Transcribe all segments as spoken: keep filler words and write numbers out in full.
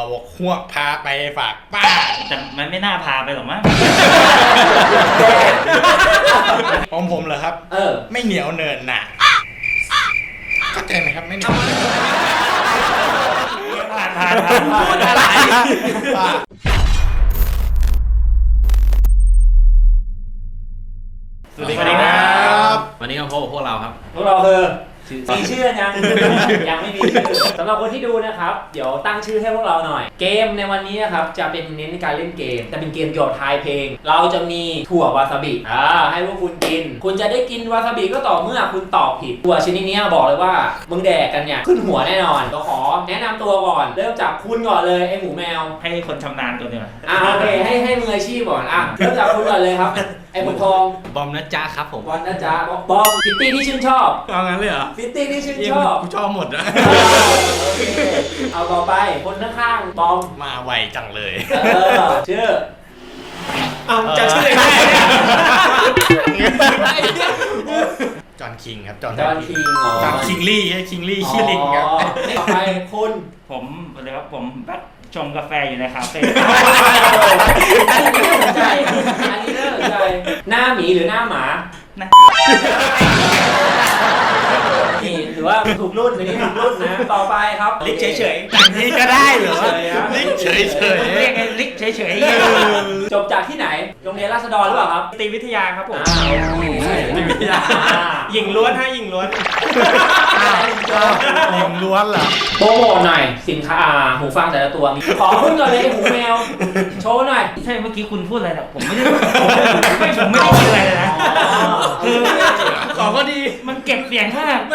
หัวพาไปฝากป้าแต่มันไม่น่าพาไปหรอกมั้งของผมเหรอครับเออไม่เหนียวเนินหนาเข้าใจไหมครับไม่เหนียวผ่านผ่านผ่านพูดอะไรสวัสดีครับวันนี้ก็พบกับพวกเราครับพวกเราคือมีชื่อยังยังไม่มีชื่อสำหรับคนที่ดูนะครับเดี๋ยวตั้งชื่อให้พวกเราหน่อยเกมในวันนี้นะครับจะเป็นเน้นในการเล่นเกมจะเป็นเกมเกี่ยวกับทายเพลงเราจะมีถั่ววาซาบิอ่าให้พวกคุณกินคุณจะได้กินวาซาบิก็ต่อเมื่อคุณตอบผิดถั่วชนิดนี้บอกเลยว่ามึงแดกกันเนี่ยขึ้นหัวแน่นอนก็ขอแนะนำตัวก่อนเริ่มจากคุณก่อนเลยไอหมูแมวให้คนชำนาญตัวนี้มาอ่าโอเคให้ให้มืออาชีพก่อนอ่ะเริ่มจากคุณก่อนเลยครับไอหมูทองบอมนะจ๊ะครับผมบอมนะจ๊ะบอมฟิตตี้ที่ชื่นชอบเอางั้นเลยเหรอฟิตตี้ที่ชื่นชอบกูชอบหมดนะเอาต่อไปคนข้างๆบอมมาไวจังเลยเออชื่อเอาจะชื่ออะไรจอห์นคิงครับจอห์นคิงอ๋อจอห์นคิงลี่คิงลี่ชื่อลิงครับต่อไปคุณผมเลยครับผมแบบชงกาแฟอยู่ในคาเฟ่อันนี้น่าสนใจอันนี้น่าสนใจหน้าหมีหรือหน้าหมานี่ถือว่าถูกรุ่นในนี้ถูกรุ่นนะต่อไปครับลิกเฉยๆอย่างนี้ก็ได้เหรอลิกเฉยๆเรียกไงลิกเฉยๆจบจากที่ไหนโรงเรียนราษฎรหรือเปล่าครับตรีวิทยาครับผมตรีวิทยาหญิงล้วนฮะหญิงล้วนหญิงล้วนเหรอโปรโมทหน่อยสินค้าหูฟังแต่ละตัวขอขึ้นก่อนเลยหูแมวโชว์หน่อยใช่เมื่อกี้คุณพูดอะไรนะผมไม่ได้ไม่ผมไม่ได้ยินอะไรเลยนะคือของก็ดีมันเก็บเสียงมาก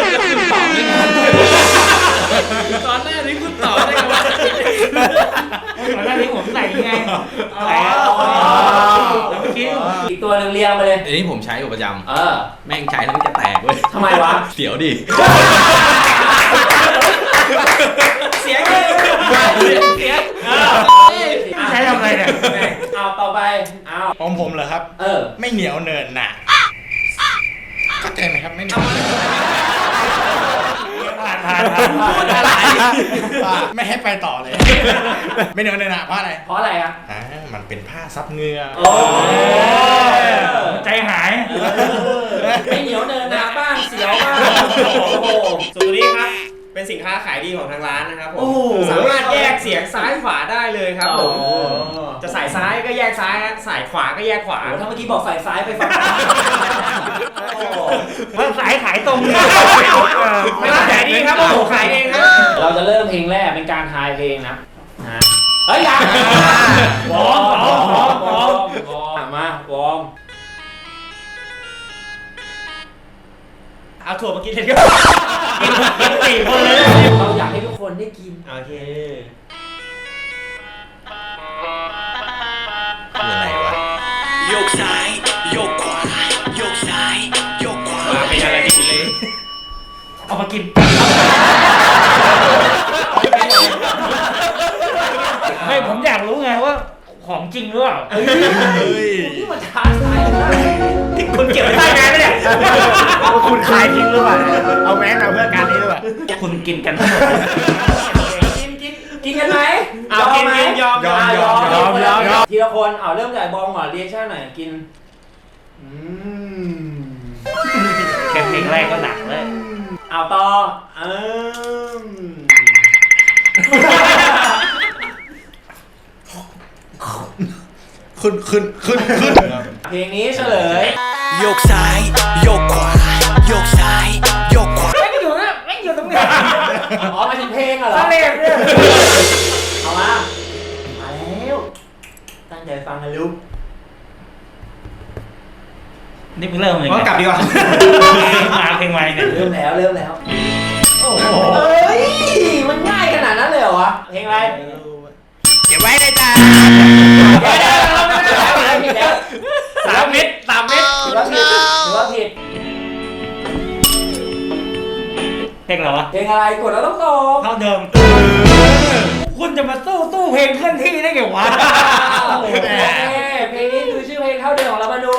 ตอนแรกนี่คุณตอบได้ไงวะตอนแรกนี่ผมใส่ไงใส่แล้วเมื่อกี้อีกตัวหนึ่งเรียงไปเลยอันนี้ผมใช้อยู่ประจำเออแม่งใช้แล้วมันจะแตกเว้ยทำไมวะเสียวดิเสียงเลยเสียงใช้ทำอะไรเนี่ยเอาต่อไปเอาของผมเหรอครับเออไม่เหนียวเนินหนาเข้าใจไหมครับไม่เหนียวผ่านผ่านผ่านพูดอะไรไม่ให้ไปต่อเลยไม่เหนียวเนินหนาเพราะอะไรเพราะอะไรอ่ะอ่ามันเป็นผ้าซับเหงื่อโอ้ใจหายไม่เหนียวเนินหนาบ้างเสียวบ้างโอ้สูตรนี้ครับเป็นสินค้าขายดีของทางร้านนะครับผมสามารถแยกเสียงซ้ายขวาได้เลยครับผมจะสายซ้ายก็แยกซ้ายสายขวาก็แยกขวาถ้าเมื่อกี้บอกสายซ้ายไปฝั่งมันสายขายตรงไม่ขายดีครับผมขายเองครับเราจะเริ่มเพลงแรกเป็นการทายเพลงนะเฮ้ยยังวอร์มวอร์มวอร์มวอร์มวอร์มมาวอร์มเอาถั่วมากินเลยกินสี่คนเลยเราอยากให้ทุกคนได้กินโอเคคืออะไรวะโยกซ้ายโยกขวาโยกซ้ายโยกขวาเป็นอะไรกินเลยเอามากินไม่ผมอยากรู้ไงว่าของจริงหรือเปล่าเฮ้ยนี่มันท้าทายนะคุณเก็บไว้ใต้แมสไหมเนี่ยคุณขายทิ้งหรือเปล่าเอาแมสมาเพื่อการนี้หรือเปล่าคุณกินกันทั้งหมดกินกินกินกันไหมเอากินกินยอมยอมยอมยอมยอมยอมทีละคนเอาเริ่มจากบอมก่อนเรียกชั่นหน่อยกินอืมแค่เพลงแรกก็หนักเลยเอาต่ออืมขึ้นขึ้นขึ้นขึ้นเพลงนี้เฉลยโยกซ้ายโยกขวาโยกซ้ายโยกขวาไม่อยู่นะไม่อยู่ตรงนี้อ๋อมาถึงเพลงเหรอเพลงเนี่ยเอามามาแล้วตั้งใจฟังนะลูกนี่เพิ่งเริ่มเลยก็กลับดีกว่ามาเพลงใหม่เนี่ยเริ่มแล้วเริ่มแล้วโอ้โหเอ้ยมันง่ายขนาดนั้นเลยเหรอวะเพลงอะไรเก็บไว้ในใจสามเม็ดสามเม็ดถือว่าผิดถือว่าผิดเพลงอะไรวะเพลงอะไรกดแล้วต้องตอบเท่าเดิมคุณจะมาสู้ตู้เพลงเคลื่อนที่ได้ไงวะโอเคเพลงนี้คือชื่อเพลงเท่าเดิมของเรามาดู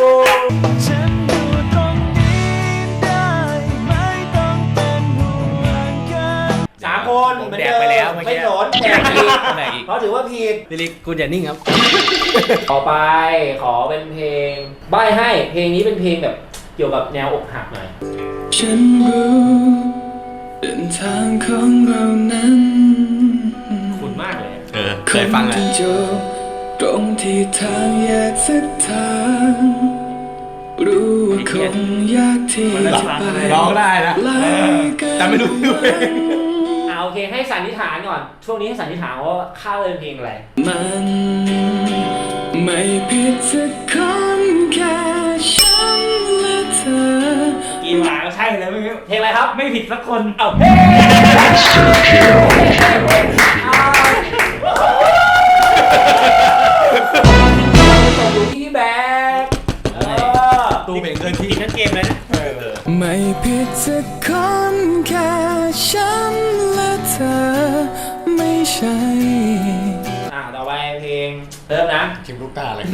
สามคนเหมือนเดิมไม่สนแต่ผิดแบกอีกเขาถือว่าผิดลิลิกคุณอย่านิ่งครับต่อไปขอเป็นเพลงใบ้ให้เพลงนี้เป็นเพลงแบบเกี่ยวกับแนวอกหักหน่อยฉันรู้เดินทางของเรานั้นคุณมากเลยเออเคยฟังคอ่ะงจะจบตรงที่ทางแยกเส้นทางรู้ว่าคงยากที่จะไปร้องได้นะไกลกันแต่ไม่รู้ด้วยอ่าโอเคให้สันนิษฐานก่อนช่วงนี้ให้สันนิษฐานว่าข้าวเป็นเพลงอะไรมันไม่ผิดสักคนแค่ฉันและเธอกินหมาก็ใช่เลยไม่เพลงอะไรครับไม่ผิดสักคนเอาเฮ้ส่งอยู่ที่พี่แบกเออตู้เพลงเคลื่อนที่นั่นเกมเลยนะไม่ผิดสักคนแค่ฉันและเธอไม่ใช่อ่าต่อไปเพลงเริ่มนะชิมลูกตาเลย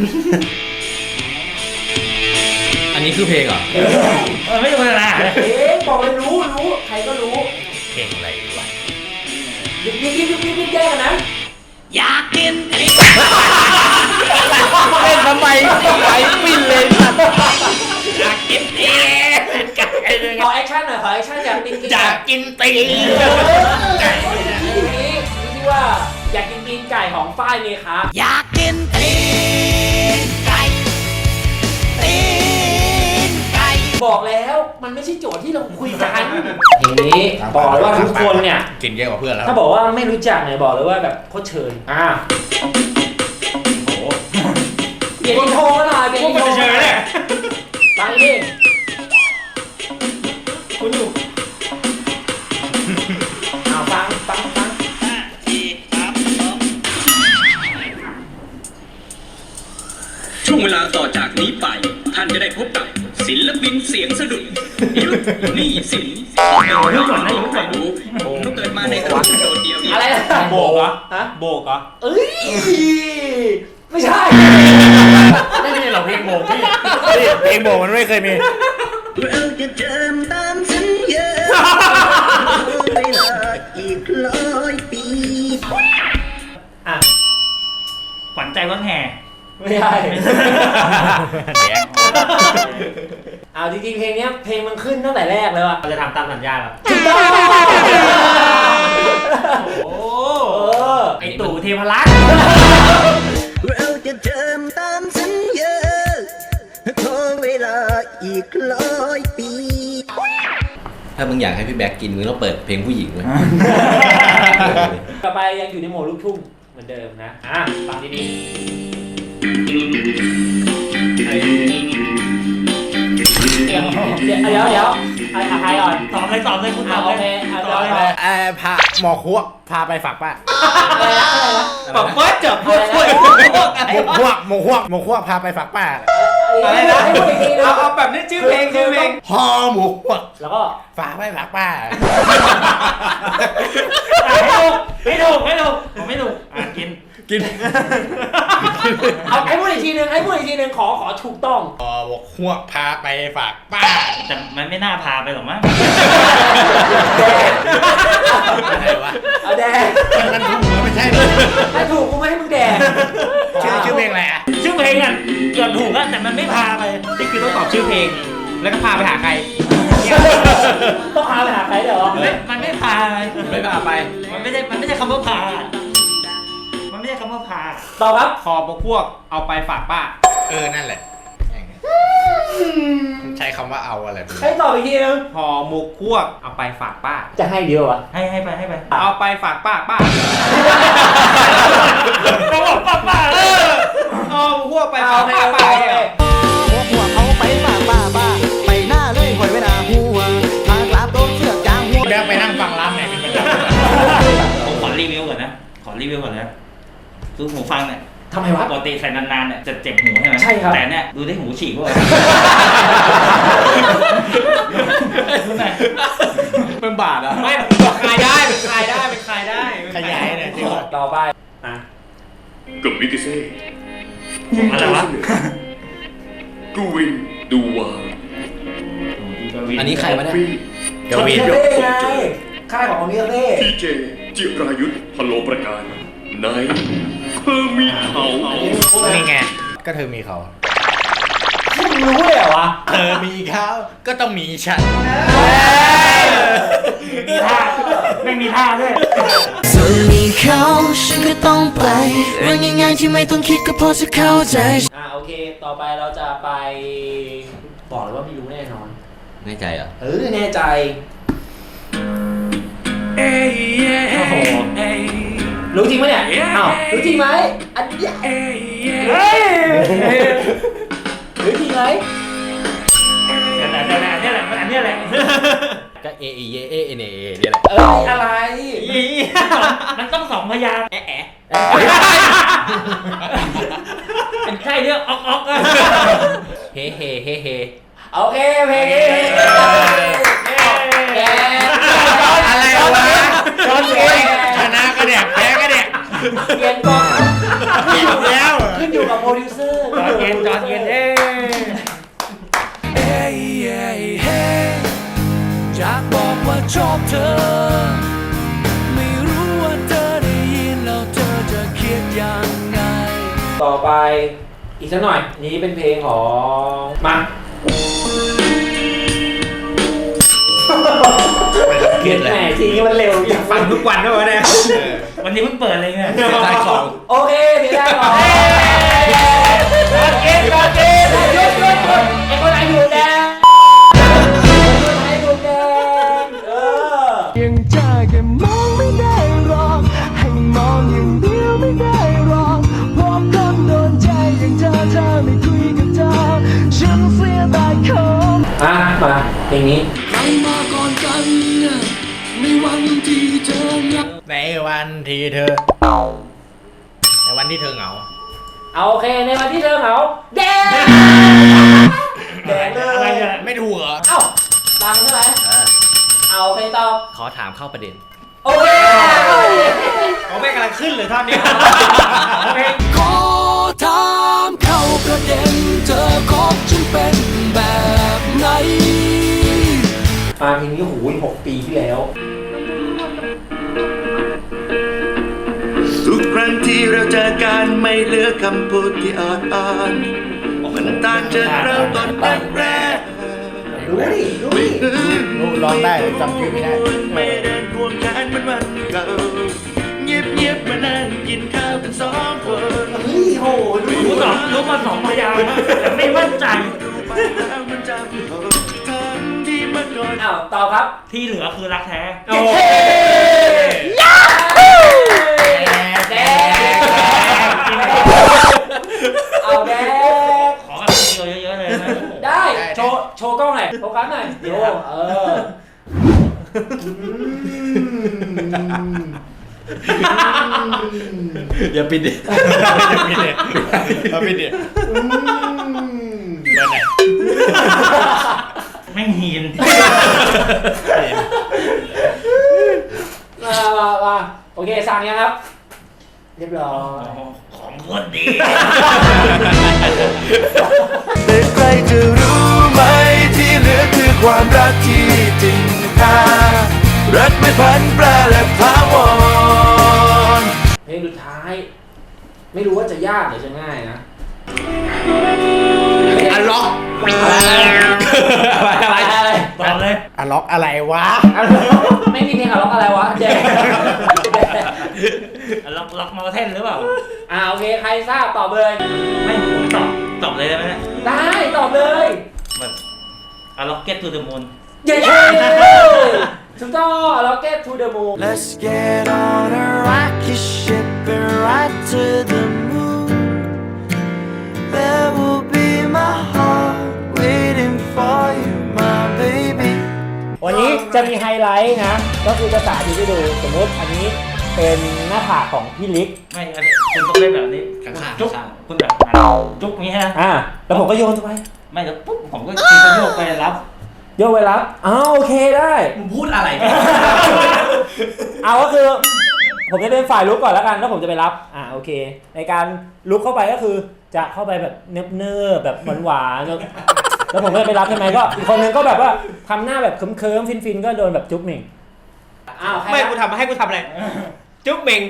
อันนี้คือเพลงเหรอเออไม่ธรรมดาเพลงบอกเลยรู้รู้ใครก็รู้เพลงอะไรวะยิบยิบยิบยิบยิบยิบแยกกันนะเล่นทำไมไหลปิ้นเลยอยากกินตีนไก่เลยขอแอคชั่นหน่อยขอแอคชั่นอยากกินอยากกินตีนไก่นี้ที่ว่าอยากกินตีนไก่ของฝ้ายเมคาอยากกินตีนไก่ตีนไก่บอกแล้วมันไม่ใช่โจทย์ที่เราคุยกันทีนี้บอกเลยว่าทุกคนเนี่ยกินเยอะกว่าเพื่อนแล้วถ้าบอกว่าไม่รู้จักเนี่ยบอกเลยว่าแบบโคตรเชยอ่ะเปลี่ยนอินโทรมาหน่อยเปลี่ยนอินโทรเฉยๆเนี่ยฟังดิคุณอยู่เอาฟังฟังฟังช่วงเวลาต่อจากนี้ไป ท่านจะได้พบกับศิลปินเสียงสะดุดยุทธนี่สินเรื่องก่อนนะยุทธก่อนดูผมเกิดมาในตระกูลโดดเดียวนี้อะไรนะโบกเหรอฮะโบกเหรอเอ้ยไม่ใช่ไม่มีหรอกเพลงโบกพี่เพลงโบกมันไม่เคยมีเราจะเดินตามสัญญาเวลาอีกร้อยปีอ่ะขวัญใจรถแห่ไม่ใช่ เอาจริงๆเพลงเนี้ยเพลงมันขึ้นตั้งแต่แรกเลยว่ะเราจะทำตามสัญญาเหรอถูกต้องโอ้เออไอตู่เทพรักษ์เราจะเดินตามสัญญาขอเวลาอีกร้อยปีถ้ามึงอยากให้พี่แบกกินมึงต้องเปิดเพลงผู้หญิงเว้ยต่อไปยังอยู่ในโหมดลูกทุ่งเหมือนเดิมนะ อ่ะฟังดีๆเดี๋ยวเดี๋ยวเดี๋ยวเดี๋ยวใครใครก่อนตอบเลยตอบเลยคุณตเอาอบโอเลเคยเอาตอบเดี๋ยวเลยเออพาหมอครัวพาไปฝากป้าอะไรนะอะไรนะบอกว่าเจอพวกพวกพวกอะไรหมกครัวหมกครัวหมกครัวพาไปฝากป้าอะไรนะให้พูดอีกทีนึงเอาเอาแบบนี้ชื่อเพลงชื่อเพลงห่อหมกครัวแล้วก็ฝากไปฝากป้าไม่ถูกไม่ถูกผมไม่ถูกอ่ะกินกินเอาให้พูดอีกทีนึงให้พูดอีกทีนึงขอขอถูกต้องห่อหมกครัวพาไปฝากป้าแต่มันไม่น่าพาไปหรอกมั้งอะไรวะเอาแดงมันถูกหรือไม่ใช่เลยถ้าถูกกูไม่ให้มึงแดงชื่อชื่อเพลงอะไรอ่ะชื่อเพลงอ่ะเกือบถูกแล้วแต่มันไม่พาไปนี่คือต้องตอบชื่อเพลง แล้วก็พาไปหาใครต้องพาไปหาใครเดี๋ยวมันไม่มันไม่พาไปไม่พาไปมันไม่ได้มันไม่ใช่คำว่าพา มันไม่ใช่คำว่าพาต่อครับคอบกพวกเอาไปฝากป้าเออนั่นแหละใช้คำว่าเอาอะไรไปให้ตอบอีกทีนึงพอหมกพวกเอาไปฝากป้าจะให้เดียวอ่ะให้ให้ไปให้ไปเอาไปฝากป้าป้าเขาบอกป้าป้าเออเอาพวกไปฝากป้าป้าเนี่ยหัวหัวเขาไปฝากป้าป้าไปหน้าเลยหอยไว้หน้าหัวทางกราบโดนเสือกยางหัวแบกไปนั่งฟังร้านไหนเป็นประจำผมขอรีวิวก่อนนะ ขอรีวิวก่อนนะคือหูฟังเนี่ยทำไมวะปกติใส่นานๆเนี่ยจะเจ็บหูใช่ไหมใช่ครับแต่เนี่ยดูได้หูฉีกด้วยเป็นบาทอ่ะไม่คลายได้เป็นคลายได้เป็นคลายได้ขยายเนี่ยจริงต่อไปอ่ะกับมิกิเซ่อะไรวะกูวินดูวาอันนี้ใครวะเนี่ยกวีนคาเฟ่ไงค่ายของอมิคาเฟ่พีเจจิรายุทธพโลประการในเธอมีเขานี่ไง ก็เธอมีเขามึงรู้เลยเหรอวะเธอมีเขาก็ต้องมีฉันมีท่าไม่มีท่าด้วยส่วนมีเขาฉันก็ต้องไปเรื่องง่ายๆที่ไม่ต้องคิดก็พอจะเข้าใจอ่าโอเค ต่อไปเราจะไปบอกเลยว่าไม่รู้แน่นอนแน่ใจเหรอเออแน่ใจโอ้โหรู้จริงไหมเนี่ยอ้าวรู้จริงไหมอันเนี้ยเฮ้ยรู้จริงไหมเนี่ยแหละเนี่ยแหละเนี่ยแหละอันเนี้ยแหละก็เอเอเอเอเอเนเอเนี่ยแหละเอออะไรมันต้องสองพยางค์แอะแอะเป็นใช่เรื่องออกออกอะเฮเฮเฮเฮโอเคเพลงนี้แกอะไรวะชนเองชนะก็แดกแพ้ก็แดกเปลี่ยนก่อนเปลี่ยนแล้วขึ้นอยู่กับโปรดิวเซอร์จอดเย็นจอดเย็นเอ้อยากบอกว่าชอบเธอ ไม่รู้ว่าเธอได้ยินแล้วเธอจะคิดยังไงต่อไปอีกสักหน่อยนี้เป็นเพลงของมาเกลียดแหมทีนี้มันเร็วอยากฟัฟังงทุกวันด้วยวะเนี่ยวันนี้เพิ่งเปิดเลยเนี่ยเสียดายของโอเคเสียดายของกอดเกมกอดเกมหยุดหยุดหยุดไอ้คนไหนอยู่แดงคนไหนอยู่แดงเออยังใจแค่มองไม่ได้หรอกให้มองอย่างเดียวไม่ได้หรอกเพราะคนโดนใจอย่างเธอเธอไม่คุยกับเธอฉันเสียดายคนอ่ะมาเพลงนี้ใครมาก่อนกันในวันที่เธอเหงาในวันที่เธอ ในวันที่เธอเหงาเอาโอเคในวันที่เธอเหงาแดงแดงเลอะไรยเนี่ยไม่ถูกเหรอเอ้าตังใช่ไหมเออเอาโอเคตอบขอถามเข้าประเด็นโอเคเขาไม่กำลังขึ้นเลยท่อนนี้ขอถามเข้าประเด็นเธอคบฉันเป็นแบบไหนมาเพลงนี้โอ้โหหกปีที่แล้วทุกครั้งที่เราเจอกันไม่เหลือคำพูดที่อาจอ่านมันต่างจากเริ่มต้นแรกรู้ดิรู้ดิรู้ร้องได้จำชื่อไม่ได้ไม่เดินควงแขนเหมือนวันเก่าเงียบเงียบๆมานั่งกินข้าวกันสองคนเฮ้ยโหรู้รู้สองรู้มาสองพยางค์แต่ไม่มั่นใจไปแล้วมันจะมีหกทางที่เมื่อก่อนอ้าวตอบครับที่เหลือคือรักแท้โอ้แดงเอาแดงขอแบบเยอะๆเลยนะได้โชว์โชว์กล้องหน่อยโฟกัสหน่อยโชว์เอออย่าปิดดิอย่าปิดดิอย่าปิดดิเบอร์ไหนแม่งหีนมามามาโอเคสั่งยังครับ เรียบร้อยของคนดีแต่ใครจะรู้ไหมที่เหลือคือความรักที่จริงค่ารักไม่พันแปรและถาวรเพลงสุดท้าย ไม่รู้ว่าจะยากหรือจะง่ายนะอันล็อกอะไรอะไรตอบเลยอันล็อกอะไรวะไม่มีเพลงอะล็อกอะไรวะเจ๊ล็อกล็อกมาเทนหรือเปล่าอ่าโอเคใครทราบตอบเลยไม่ผมตอบตอบเลยได้ไหมเนี่ยได้ตอบเลยแบบอะล็อกเก็ตทูเดอะมูนเย้ถูกต้อง Rocket to the Moon Let's get on a rocket ship and ride to the moon. There will be my heart waiting for you, my baby. วันนี้จะมีไฮไลท์นะ ก็คือจะสาธิตให้ดูสมมติอันนี้เป็นหน้าผากของพี่ลิกไม่อันนี้คุณต้องเล่นแบบนี้ข้างๆจุ๊บข้างคุณแบบอ่ะจุ๊บอย่างนี้ฮะอ่าแล้วผมก็โยนไปไม่แล้วปุ๊บผมก็ตีกระโยกไปรับโยนไปรับอ้าวโอเคได้มึงพูดอะไรกันเอาก็คือผมจะเป็นฝ่ายลุกก่อนแล้วกันแล้วผมจะไปรับอ่าโอเค ในการลุกเข้าไปก็คือจะเข้าไปแบบเนิบๆแบบหวานๆแล้วแล้วผมก็จะไปรับใช่ไหมก็อีกคนนึงก็แบบว่าทำหน้าแบบเคิมๆฟินๆก็โดนแบบจุ๊บหนึ่งอ้าวใครไม่นะกูทำให้กูทำอะไร จุ๊บเมง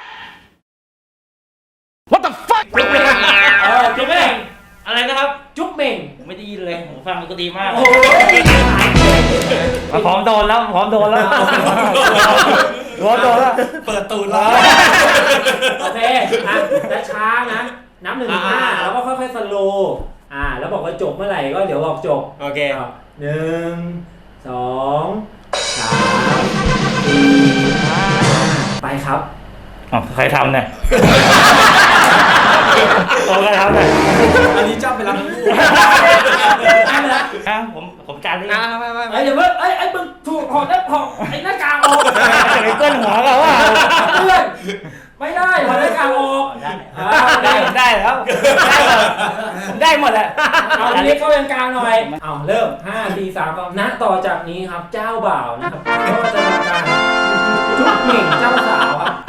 What the fuck จุ๊บเม่งเออจุ๊บเม่งอะไรนะครับจุ๊บเม่งผมไม่ได้ยินเลยผมฟังมันก็ดีมากโอ้ยมาพร้อมโดนแล้วพร้อมโดนแล้วพร้อมโดนแล้วเปิดตูดแล้วโอเคอ่ะแล้วช้านะนับหนึ่งถึงห้าแล้วก็ค่อยๆสโลว์อ่าแล้วบอกว่าจบเมื่อไหร่ก็เดี๋ยวบอกจบโอเคเอาหนึ่งสองสามสี่ห้าไปครับอ๋อใครทำเนี่ยโอ้ใครทำเนี่ยอันนี้จ้าไปรับลูกได้แล้วอ่ะผมผมจานนี้อ่าไม่ไม่เอ้ยเดี๋ยวเพิ่งเอ้ยไอ้มึงถูกถอดได้ถอดไอ้หน้ากากออกจะไปเกินหัวเราว่าเพื่อนไม่ได้ถอดหน้ากากออกได้อ่าได้ได้แล้วได้หมดได้หมดแหละเอาเล็กเข้ายังกลางหน่อยเอาเริ่มห้าสี่สามสองณต่อจากนี้ครับเจ้าบ่าวนะครับก็จะทำการจุ๊บเหม่งเจ้าสาวครับ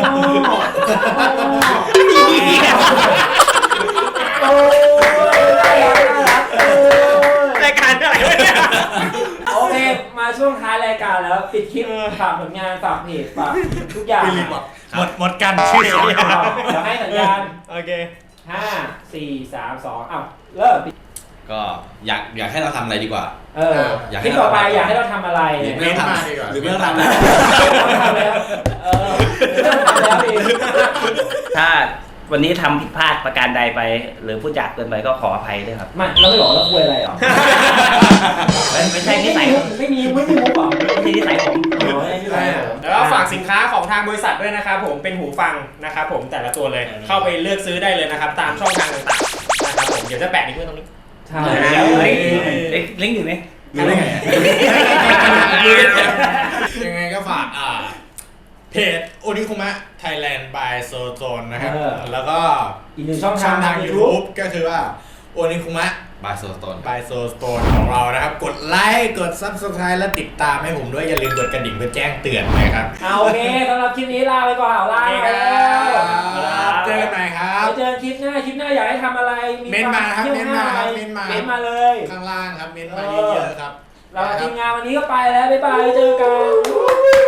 โอ้โอ้ได้แล้วได้แล้วโอ้รายการอะไรวะเนี่ยโอเคมาช่วงท้ายรายการแล้วปิดคลิปฝากผลงานฝากเพจฝากทุกอย่างหมดหมดกันชื่อเดี๋ยวให้สัญญาณโอเคห้าสี่สามสองอ้าวเริ่มก็อยากอยากให้เราทำอะไรดีกว่าเอออยากให้คลิปต่อไปอยากให้เราทำอะไรหรือเนี่ยไม่ต้องทำดีกว่าหรือไม่ต้องทำต้องทำแล้วเออต้องทำแล้วเองถ้าวันนี้ทำผิดพลาดประการใดไป หรือพูดจากเกินไปก็ขออภัยด้วยครับไม่เราไม่บอกเราคุยอะไรหรอไม่ไม่ใช่นิสัยไม่มีไม่มีมุกหรอไม่ใช่นิสัยผมอ๋อไม่มีมุกหรอแล้วก็ฝากสินค้าของทางบริษัทด้วยนะครับผมเป็นหูฟังนะครับผมแต่ละตัวเลยเข้าไปเลือกซื้อได้เลยนะครับ ตามช่องทางต่างๆนะครับผมเดี๋ยวจะแปะลิงก์ไว้ตรงนี้ใช่แล้วเฮ้ยเอ๊ะลิงก์อยู่ไหมรู้ได้ไงยังไงก็ฝากอ่าเพจโอนิคุมะไทยแลนด์ by โซโซนนะครับ แล้วก็อีกหนึ่งช่องช่ทาอง งทาทาง ง YouTube YouTube ก็คือว่าโอนิคุมะ by โซโซน by โซโซนของเรานะครับ กดไลค์กด Subscribe และติดตามให้ผมด้วยอย่าลืมกดกระดิ่งเพื่อแจ้งเตือนนะครับเอาโอเคสำหรับคลิปนี้ลาไปก่อนเอาลาไปแล้วเจอกันใหม่ครับไปเจอคลิปหน้าคลิปหน้าอยากให้ทำอะไรเม้นต์มาครับที่ยวเม้นต์มาครับอะไรเม้นต์มาเม้นต์มาเลยข้างล่างครับเม้นต์มาเยอะๆครับเราทีมงานวันนี้ก็ไปแล้วบ๊ายบายเจอกัน